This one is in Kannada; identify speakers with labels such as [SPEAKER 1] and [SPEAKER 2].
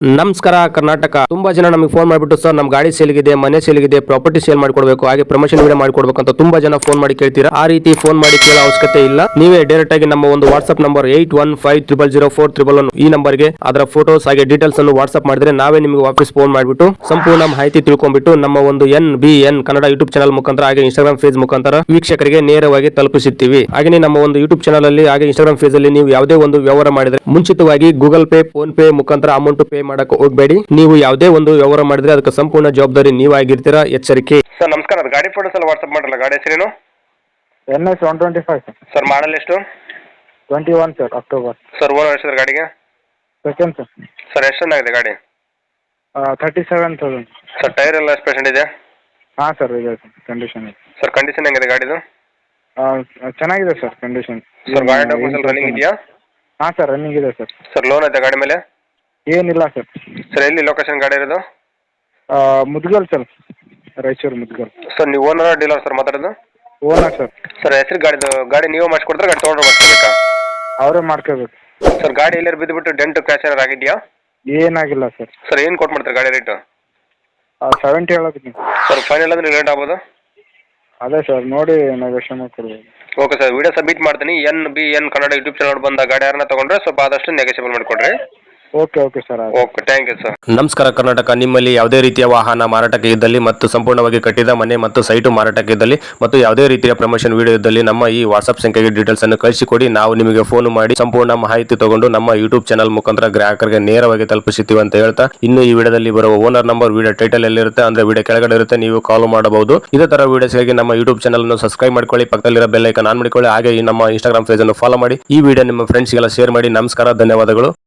[SPEAKER 1] ನಮಸ್ಕಾರ ಕರ್ನಾಟಕ. ತುಂಬಾ ಜನ ನಮಗೆ ಫೋನ್ ಮಾಡಿಬಿಟ್ಟು ಸರ್ ನಮ್ಮ ಗಾಡಿ ಸೇಲ್ಗಿದೆ, ಮನೆ ಸೇಲ್ಗಿದೆ, ಪ್ರಾಪರ್ಟಿ ಸೇಲ್ ಮಾಡ್ಕೊಡ್ಬೇಕು, ಹಾಗೆ ಪ್ರಮೋಷನ್ ವಿಡಿಯೋ ಮಾಡ್ಕೊಡ್ಬೇಕು ಅಂತ ತುಂಬಾ ಜನ ಫೋನ್ ಮಾಡಿ ಕೇಳ್ತೀರಾ. ಆ ರೀತಿ ಫೋನ್ ಮಾಡಿ ಕೇಳೋ ಅವಶ್ಯಕತೆ ಇಲ್ಲ. ನೀವೇ ಡೈರೆಕ್ಟ್ ಆಗಿ ನಮ್ಮ ಒಂದು ವಾಟ್ಸ್ಆಪ್ ನಂಬರ್ 81500411 ಈ ನಂಬರ್ಗೆ ಅದರ ಫೋಟೋಸ್ ಹಾಗೆ ಡೀಟೇಲ್ಸ್ ಅನ್ನು ವಾಟ್ಸ್ಆಪ್ ಮಾಡಿದ್ರೆ ನಾವೇ ನಿಮಗೆ ವಾಪಸ್ ಫೋನ್ ಮಾಡಿಬಿಟ್ಟು ಸಂಪೂರ್ಣ ಮಾಹಿತಿ ತಿಳ್ಕೊಂಡ್ಬಿಟ್ಟು ನಮ್ಮ ಒಂದು NBN ಕನ್ನಡ ಯೂಟ್ಯೂಬ್ ಚಾನಲ್ ಮುಖಾಂತರ ಹಾಗೆ ಇನ್ಸ್ಟಾಗ್ರಾಮ್ ಪೇಜ್ ಮುಖಾಂತರ ವೀಕ್ಷಕರಿಗೆ ನೇರವಾಗಿ ತಲುಪಿಸುತ್ತೀವಿ. ಹಾಗೆ ನಮ್ಮ ಒಂದು ಯೂಟ್ಯೂಬ್ ಚಾನಲ್ ಅಲ್ಲಿ ಹಾಗೆ ಇನ್ಸ್ಟಾಗ್ರಾಮ್ ಪೇಜ್ ಅಲ್ಲಿ ನೀವು ಯಾವುದೇ ಒಂದು ವ್ಯವಹಾರ ಮಾಡಿದ್ರೆ ಮುಂಚಿತವಾಗಿ ಗೂಗಲ್ ಪೇ, ಫೋನ್ ಪೇ ಮುಖಾಂತರ ಅಮೌಂಟ್ ಪೇ ಮಾಡಕ್ಕೆ ಹೋಗಬೇಡಿ. ನೀವು ಯಾವುದೇ ಒಂದು ವ್ಯವಹಾರ ಮಾಡಿದ್ರೆ ಅದಕ್ಕೆ ಸಂಪೂರ್ಣ ಜವಾಬ್ದಾರಿ ನೀವಾಗಿರ್ತೀರಾ, ಎಚ್ಚರಿಕೆ. ಸರ್ ನಮಸ್ಕಾರ, ಅದು ಗಾಡಿ ಫೋಟೋಸ್ ಎಲ್ಲ ವಾಟ್ಸ್ಆಪ್ ಮಾಡಲ್ಲ. ಗಾಡಿ ಹೆಸರೇನು?
[SPEAKER 2] NS 125
[SPEAKER 1] ಸರ್ ಮಾಡಲ್ ಎಷ್ಟು?
[SPEAKER 2] 21 ಸರ್, ಅಕ್ಟೋಬರ್.
[SPEAKER 1] ಸರ್ ಓನರ್ ಎಷ್ಟು ಗಾಡಿಗೆ?
[SPEAKER 2] Second sir.
[SPEAKER 1] ಸರ್ ಎಷ್ಟು ಚೆನ್ನಾಗಿದೆ ಗಾಡಿ?
[SPEAKER 2] 37,000.
[SPEAKER 1] ಸರ್ ಟೈರ್ ಎಲ್ಲ ಎಷ್ಟು ಪರ್ಸೆಂಟ್ ಇದೆ?
[SPEAKER 2] ಹಾಂ ಸರ್, ಇದೆ ಸರ್, ಕಂಡೀಷನ್ ಇದೆ.
[SPEAKER 1] ಸರ್ ಕಂಡೀಷನ್ ಹೆಂಗಿದೆ ಗಾಡಿದು?
[SPEAKER 2] ಚೆನ್ನಾಗಿದೆ ಸರ್ ಕಂಡೀಷನ್.
[SPEAKER 1] ಸರ್ ಗಾಡಿ ಡಾಕ್ಯುಮೆಂಟ್ಸ್ ರನ್ನಿಂಗ್ ಇದೆಯಾ?
[SPEAKER 2] ಹಾಂ ಸರ್, ರನ್ನಿಂಗ್ ಇದೆ ಸರ್.
[SPEAKER 1] ಸರ್ ಲೋನ್ ಐತೆ ಗಾಡಿ ಮೇಲೆ?
[SPEAKER 2] ಏನಿಲ್ಲ ಸರ್.
[SPEAKER 1] ಸರ್ ಎಲ್ಲಿ ಲೊಕೇಶನ್ ಗಾಡಿ ಇರೋದು?
[SPEAKER 2] ಮುದ್ಗಲ್ ಸರ್, ರಾಯಚೂರು ಮುದ್ಗಲ್.
[SPEAKER 1] ಸರ್ ನೀವು ಓನರ್ ಡೀಲರ್ ಸರ್ ಮಾತಾಡೋದು?
[SPEAKER 2] Owner sir.
[SPEAKER 1] ಸರ್ ಹೆಸರು ಗಾಡಿ ನೀವು ಮಾಡಿಸ್ಕೊಡ್ತಾರೆ, ಗಾಡಿ ತೊಗೊಂಡ್ರೆ ಮಾಡಿಸ್ಕೋಬೇಕಾ?
[SPEAKER 2] ಅವರೇ ಮಾಡ್ಕೋಬೇಕು.
[SPEAKER 1] ಸರ್ ಗಾಡಿ ಎಲ್ಲರೂ ಬಿದ್ದುಬಿಟ್ಟು ಡೆಂಟ್ ಕ್ರ್ಯಾಚ್ ಏನಾರು ಆಗಿದೆಯಾ?
[SPEAKER 2] ಏನಾಗಿಲ್ಲ ಸರ್.
[SPEAKER 1] ಸರ್ ಏನು ಕೊಟ್ಟು ಮಾಡ್ತಾರೆ ಗಾಡಿ ರೇಟು?
[SPEAKER 2] 70 ಹೇಳೋದು
[SPEAKER 1] ಸರ್ ಫೈನಲ್ ಅಂದ್ರೆ ರೇಟ್ ಆಗ್ಬೋದು?
[SPEAKER 2] ಅದೇ ಸರ್, ನೋಡಿ ನೆಗೋಷಿಯೇಟ್ ಮಾಡ್ಕೊಡ್ಬೋದು.
[SPEAKER 1] ಓಕೆ ಸರ್, ವಿಡಿಯೋ ಸಬ್ಮಿಟ್ ಮಾಡ್ತೀನಿ. NBN ಕನ್ನಡ ಯೂಟ್ಯೂಬ್ ಚಾನಲ್ ಬಂದ ಗಾಡಿ ಯಾರನ್ನ ತಗೊಂಡ್ರೆ ಸ್ವಲ್ಪ ಆದಷ್ಟು ನೆಗೋಷಿಯೇಬಲ್ ಮಾಡಿಕೊಡ್ರಿ.
[SPEAKER 2] Okay sir.
[SPEAKER 1] Okay, thank you sir. ನಮಸ್ಕಾರ ಕರ್ನಾಟಕ. ನಿಮ್ಮಲ್ಲಿ ಯಾವುದೇ ರೀತಿಯ ವಾಹನ ಮಾರಾಟಕ್ಕೆ ಇದ್ದಲ್ಲಿ ಮತ್ತು ಸಂಪೂರ್ಣವಾಗಿ ಕಟ್ಟಿದ ಮನೆ ಮತ್ತು ಸೈಟು ಮಾರಾಟಕ್ಕೆ ಇದ್ದಲ್ಲಿ ಮತ್ತು ಯಾವುದೇ ರೀತಿಯ ಪ್ರಮೋಷನ್ ವಿಡಿಯೋ ಇದ್ದಲ್ಲಿ ನಮ್ಮ ಈ ವಾಟ್ಸ್ಆಪ್ ಸಂಖ್ಯೆಗೆ ಡೀಟೇಲ್ಸ್ ಅನ್ನು ಕಳಿಸಿಕೊಡಿ. ನಾವು ನಿಮಗೆ ಫೋನ್ ಮಾಡಿ ಸಂಪೂರ್ಣ ಮಾಹಿತಿ ತಗೊಂಡು ನಮ್ಮ ಯೂಟ್ಯೂಬ್ ಚಾನಲ್ ಮುಖಾಂತರ ಗ್ರಾಹಕರಿಗೆ ನೇರವಾಗಿ ತಲುಪಿಸುತ್ತೀವಿ ಅಂತ ಹೇಳ್ತಾ, ಇನ್ನು ಈ ವಿಡಿಯೋದಲ್ಲಿ ಬರುವ ಓನರ್ ನಂಬರ್ ವಿಡಿಯೋ ಟೈಟಲ್ ಎಲ್ಲಿರುತ್ತೆ ಅಂದ್ರೆ ವಿಡಿಯೋ ಕೆಳಗಡೆ ಇರುತ್ತೆ, ನೀವು ಕಾಲ್ ಮಾಡಬಹುದು. ಇದೇ ತರ ವಿಡಿಯೋಸ್ಗಾಗಿ ನಮ್ಮ ಯೂಟ್ಯೂಬ್ ಚಾನಲ್ ಅನ್ನು ಸಬ್ಸ್ಕ್ರೈಬ್ ಮಾಡ್ಕೊಳ್ಳಿ, ಪಕ್ಕದಲ್ಲಿರೋ ಬೆಲ್ ಐಕಾನ್ ಆನ್ ಮಾಡಿಕೊಳ್ಳಿ, ಹಾಗೆ ಈ ನಮ್ಮ ಇನ್ಸ್ಟಾಗ್ರಾಮ್ ಪೇಜ್ ಅನ್ನು ಫಾಲೋ ಮಾಡಿ. ಈ ವಿಡಿಯೋ ನಿಮ್ಮ ಫ್ರೆಂಡ್ಸ್ಗೆಲ್ಲ ಶೇರ್ ಮಾಡಿ. ನಮಸ್ಕಾರ, ಧನ್ಯವಾದಗಳು.